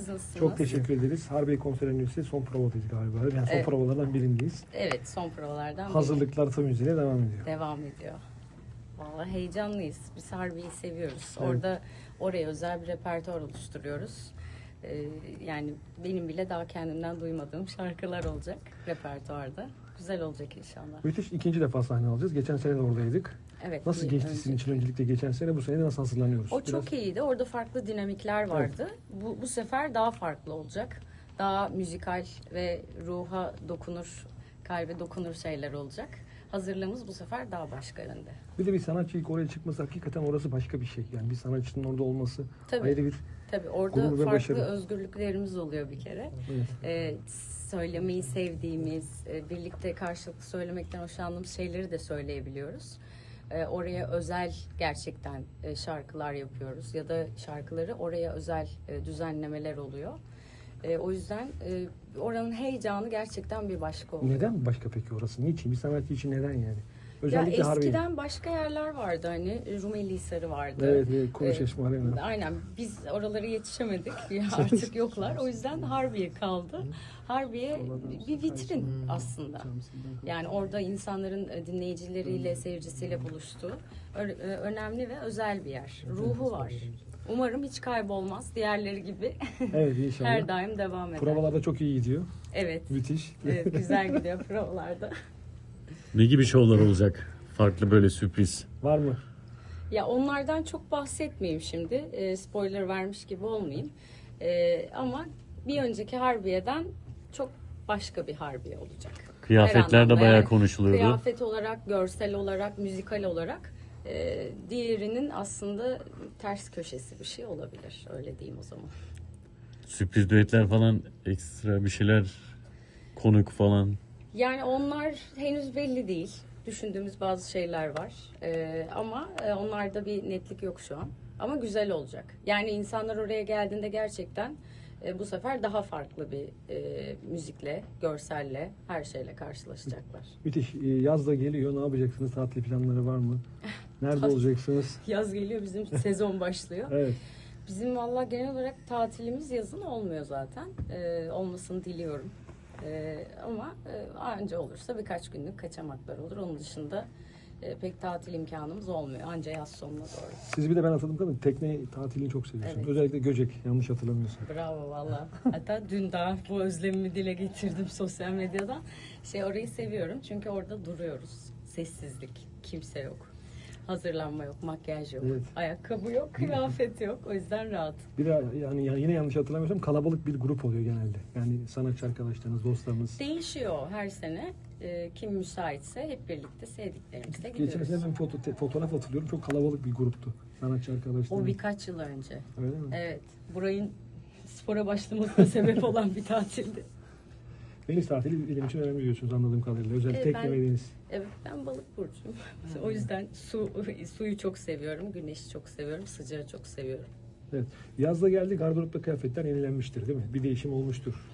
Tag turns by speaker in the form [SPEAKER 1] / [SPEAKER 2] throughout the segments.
[SPEAKER 1] Siz nasılsınız?
[SPEAKER 2] Çok teşekkür ederiz. Harbiye konser öncesi son provadayız galiba. Yani son provalardan birindeyiz.
[SPEAKER 1] Evet, son provalardan
[SPEAKER 2] Hazırlıklar tam hızıyla devam ediyor.
[SPEAKER 1] devam ediyor. Vallahi heyecanlıyız. Biz Harbiye'yi seviyoruz.
[SPEAKER 2] Evet.
[SPEAKER 1] Oraya özel bir repertuar oluşturuyoruz. Yani benim bile daha kendimden duymadığım şarkılar olacak repertuarda. Güzel olacak inşallah.
[SPEAKER 2] Müthiş, ikinci defa sahne alacağız. Geçen sene de oradaydık.
[SPEAKER 1] Evet.
[SPEAKER 2] Nasıl geçti sizin için öncelikle geçen sene? Bu sene de nasıl hazırlanıyoruz?
[SPEAKER 1] O çok iyiydi. Orada farklı dinamikler vardı. Bu sefer daha farklı olacak. Daha müzikal ve ruha dokunur, kalbe dokunur şeyler olacak. Hazırlığımız bu sefer daha başka yönde.
[SPEAKER 2] Bir de bir sanatçı ilk oraya çıkması, hakikaten orası başka bir şey. Yani bir sanatçının orada olması ayrı bir
[SPEAKER 1] Tabii orada
[SPEAKER 2] gurur ve
[SPEAKER 1] farklı
[SPEAKER 2] başarı.
[SPEAKER 1] özgürlüklerimiz oluyor bir kere.
[SPEAKER 2] Evet.
[SPEAKER 1] Söylemeyi sevdiğimiz, birlikte karşılıklı söylemekten hoşlandığımız şeyleri de söyleyebiliyoruz. Oraya özel gerçekten şarkılar yapıyoruz ya da şarkıları oraya özel düzenlemeler oluyor. O yüzden oranın heyecanı gerçekten bir başka oluyor.
[SPEAKER 2] Neden başka peki orası? Niçin? Bir sanatçı için neden yani? Özellikle
[SPEAKER 1] Ya
[SPEAKER 2] Harbiye.
[SPEAKER 1] eskiden başka yerler vardı, hani Rumeli Hisarı vardı.
[SPEAKER 2] Evet, Kuruçeşme Arena.
[SPEAKER 1] Aynen, biz oralara yetişemedik. Artık yoklar. O yüzden Harbiye kaldı. Harbiye bir vitrin aslında. Yani orada insanların dinleyicileriyle, seyircisiyle buluştuğu önemli ve özel bir yer. Ruhu var. Umarım hiç kaybolmaz. Diğerleri gibi
[SPEAKER 2] Evet, inşallah.
[SPEAKER 1] her daim devam eder.
[SPEAKER 2] Provalarda çok iyi gidiyor.
[SPEAKER 1] Evet.
[SPEAKER 2] Müthiş.
[SPEAKER 1] Evet, güzel gidiyor provalarda.
[SPEAKER 3] Ne gibi şovlar olacak? Farklı böyle sürpriz.
[SPEAKER 2] Var mı?
[SPEAKER 1] Ya onlardan çok bahsetmeyeyim şimdi. Spoiler vermiş gibi olmayayım. Ama bir önceki Harbiye'den çok başka bir Harbiye olacak.
[SPEAKER 3] Kıyafetler
[SPEAKER 1] Her
[SPEAKER 3] de
[SPEAKER 1] anlamda.
[SPEAKER 3] bayağı
[SPEAKER 1] Yani
[SPEAKER 3] konuşuluyordu.
[SPEAKER 1] kıyafet olarak, görsel olarak, müzikal olarak diğerinin aslında ters köşesi bir şey olabilir. Öyle diyeyim o zaman.
[SPEAKER 3] Sürpriz düetler falan, ekstra bir şeyler, konuk falan.
[SPEAKER 1] Yani onlar henüz belli değil. Düşündüğümüz bazı şeyler var. Ama onlarda bir netlik yok şu an. Ama güzel olacak. Yani insanlar oraya geldiğinde gerçekten bu sefer daha farklı bir müzikle, görselle, her şeyle karşılaşacaklar.
[SPEAKER 2] Müthiş. Yaz da geliyor. Ne yapacaksınız? Tatil planları var mı? Nerede olacaksınız?
[SPEAKER 1] Yaz geliyor, bizim sezon başlıyor.
[SPEAKER 2] Evet.
[SPEAKER 1] Bizim valla genel olarak tatilimiz yazın olmuyor zaten. Olmasını diliyorum. Ama anca olursa birkaç günlük kaçamaklar olur. Onun dışında pek tatil imkanımız olmuyor. Anca yaz sonuna doğru.
[SPEAKER 2] Siz bir de ben hatırladım kadın tekne tatilini çok seviyorsunuz.
[SPEAKER 1] Evet.
[SPEAKER 2] Özellikle Göcek, yanlış hatırlamıyorsam.
[SPEAKER 1] Bravo valla. Hatta dün daha bu özlemimi dile getirdim sosyal medyadan. Orayı seviyorum çünkü orada duruyoruz. Sessizlik, kimse yok. Hazırlanma yok, makyaj yok,
[SPEAKER 2] Evet.
[SPEAKER 1] ayakkabı yok, kıyafet yok. O yüzden rahat.
[SPEAKER 2] Bir de yani yine yanlış hatırlamıyorsam kalabalık bir grup oluyor genelde. Yani sanatçı arkadaşlarınız, dostlarınız.
[SPEAKER 1] Değişiyor her sene. Kim müsaitse hep birlikte sevdiklerimizle
[SPEAKER 2] Geçen
[SPEAKER 1] gidiyoruz.
[SPEAKER 2] sene ben fotoğraf hatırlıyorum. Çok kalabalık bir gruptu. Sanatçı arkadaşlarınız.
[SPEAKER 1] O birkaç yıl önce.
[SPEAKER 2] Öyle mi?
[SPEAKER 1] Evet. Burayın spora başlamasına sebep olan bir tatildi.
[SPEAKER 2] Deniz tatili benim için önemli diyorsunuz anladığım kadarıyla. Özellikle tekne ve deniz.
[SPEAKER 1] Evet, ben balık burcuyum. O yüzden suyu çok seviyorum, güneşi çok seviyorum, sıcağı çok seviyorum.
[SPEAKER 2] Evet. Yazda geldi, gardıropta kıyafetler yenilenmiştir değil mi? Bir değişim olmuştur.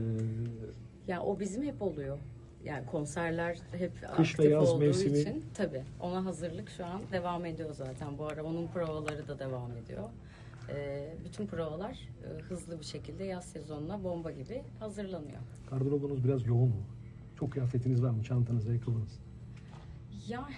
[SPEAKER 1] Ya o bizim hep oluyor. Yani konserler hep
[SPEAKER 2] Kış ve
[SPEAKER 1] aktif
[SPEAKER 2] yaz
[SPEAKER 1] olduğu
[SPEAKER 2] mevsimi.
[SPEAKER 1] için tabii ona hazırlık şu an devam ediyor zaten. Bu ara onun provaları da devam ediyor. Bütün provalar hızlı bir şekilde yaz sezonuna bomba gibi hazırlanıyor.
[SPEAKER 2] Gardırobunuz biraz yoğun mu? Çok kıyafetiniz var mı? Çantanız, ayakkabınız?
[SPEAKER 1] Ya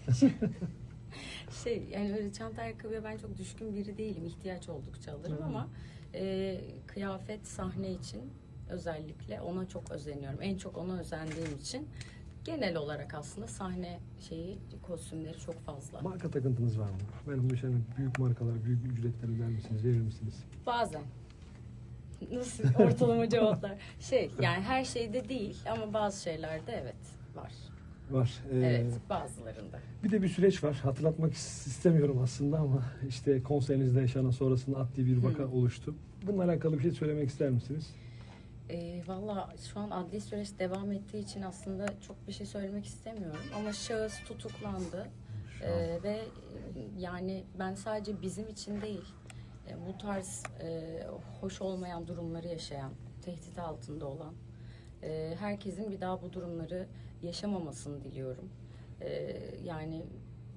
[SPEAKER 1] yani öyle çanta ayakkabıya ben çok düşkün biri değilim. İhtiyaç oldukça alırım ama kıyafet sahne için özellikle ona çok özeniyorum. En çok ona özendiğim için genel olarak aslında sahne kostümleri çok fazla.
[SPEAKER 2] Marka takıntınız var mı? Benim mesela büyük markalar, büyük ücretler öder misiniz, verir misiniz?
[SPEAKER 1] Bazen. Nasıl ortalama cevaplar? Yani her şeyde değil ama bazı şeylerde evet var.
[SPEAKER 2] Var.
[SPEAKER 1] Evet, bazılarında.
[SPEAKER 2] Bir de bir süreç var. Hatırlatmak istemiyorum aslında ama işte konserinizde yaşanan sonrasında adli bir vaka oluştu. Bununla alakalı bir şey söylemek ister misiniz?
[SPEAKER 1] Valla şu an adli süreç devam ettiği için aslında çok bir şey söylemek istemiyorum. Ama şahıs tutuklandı. Ve yani ben sadece bizim için değil, bu tarz hoş olmayan durumları yaşayan, tehdit altında olan herkesin bir daha bu durumları yaşamamasını diliyorum. Yani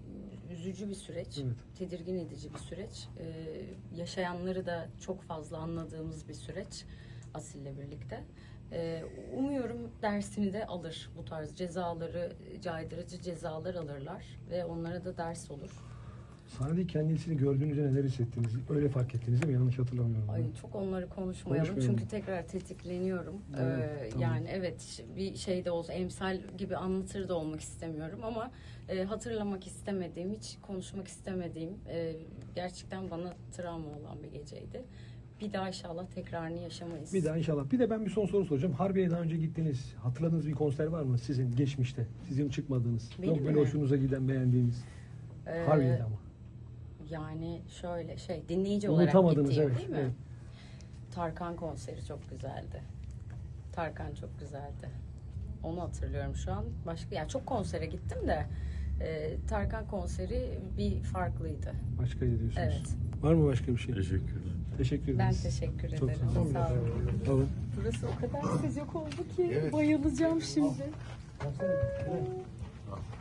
[SPEAKER 1] üzücü bir süreç,
[SPEAKER 2] Evet.
[SPEAKER 1] tedirgin edici bir süreç. Yaşayanları da çok fazla anladığımız bir süreç Asil'le birlikte. Umuyorum dersini de alır. Bu tarz cezaları, caydırıcı cezalar alırlar ve onlara da ders olur.
[SPEAKER 2] Sahnede kendisini gördüğünüzde neler hissettiniz? Öyle fark ettiniz değil mi? Yanlış hatırlamıyorum.
[SPEAKER 1] Ay çok onları konuşmayalım
[SPEAKER 2] Konuşmayalım.
[SPEAKER 1] çünkü tekrar tetikleniyorum.
[SPEAKER 2] Evet, tamam.
[SPEAKER 1] Yani evet bir şey de olsa emsal gibi anlatır da olmak istemiyorum ama hatırlamak istemediğim, hiç konuşmak istemediğim gerçekten bana travma olan bir geceydi. Bir daha inşallah tekrarını yaşamayız.
[SPEAKER 2] Bir daha inşallah. Bir de ben bir son soru soracağım. Harbiye'ye daha önce gittiniz. Hatırladığınız bir konser var mı sizin geçmişte? Sizin çıkmadığınız.
[SPEAKER 1] Benim
[SPEAKER 2] Çok böyle
[SPEAKER 1] mi?
[SPEAKER 2] hoşunuza giden, beğendiğiniz.
[SPEAKER 1] Ee,
[SPEAKER 2] Harbiye'de ama.
[SPEAKER 1] Yani şöyle dinleyici olarak
[SPEAKER 2] Unutamadınız,
[SPEAKER 1] gittiğim
[SPEAKER 2] evet,
[SPEAKER 1] değil mi?
[SPEAKER 2] evet.
[SPEAKER 1] Tarkan konseri çok güzeldi. Tarkan çok güzeldi. Onu hatırlıyorum şu an. Başka ya çok konsere gittim de Tarkan konseri bir farklıydı.
[SPEAKER 2] Başka diyorsunuz.
[SPEAKER 1] Evet.
[SPEAKER 2] Var mı başka bir şey?
[SPEAKER 3] Teşekkürler.
[SPEAKER 2] Teşekkür
[SPEAKER 1] Ben
[SPEAKER 2] ederiz.
[SPEAKER 1] teşekkür
[SPEAKER 2] Çok
[SPEAKER 1] ederim.
[SPEAKER 2] sağ olun.
[SPEAKER 1] Sağ olun.
[SPEAKER 2] Tamam.
[SPEAKER 1] Burası o kadar sıcak oldu ki bayılacağım şimdi.